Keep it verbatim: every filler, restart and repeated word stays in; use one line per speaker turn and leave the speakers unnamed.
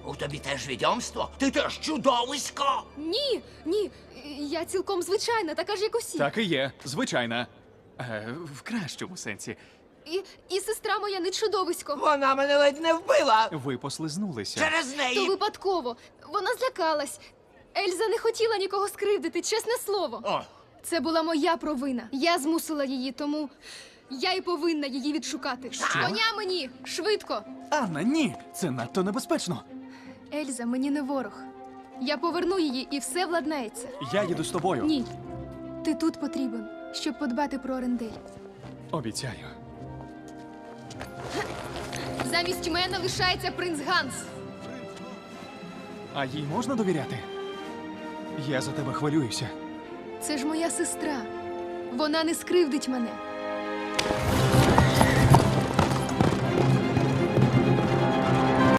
У тобі теж відьомство? Ти теж чудовисько!
Ні, ні, я цілком звичайна, така ж, як усі.
Так і є, звичайна. Е, в кращому сенсі.
І, і сестра моя не чудовисько.
Вона мене ледь не вбила!
Ви послизнулися.
Через
То
неї!
випадково. Вона злякалась. Ельза не хотіла нікого скривдити, чесне слово.
О,
Це була моя провина. Я змусила її, тому я й повинна її відшукати. Коня мені! Швидко!
Анна, ні! Це надто небезпечно.
Ельза мені не ворог. Я поверну її і все владнається.
Я їду з тобою.
Ні. Ти тут потрібен, щоб подбати про Орендель.
Обіцяю.
Замість мене лишається принц Ганс.
А їй можна довіряти? Я за тебе хвилююся.
Це ж моя сестра. Вона не скривдить мене.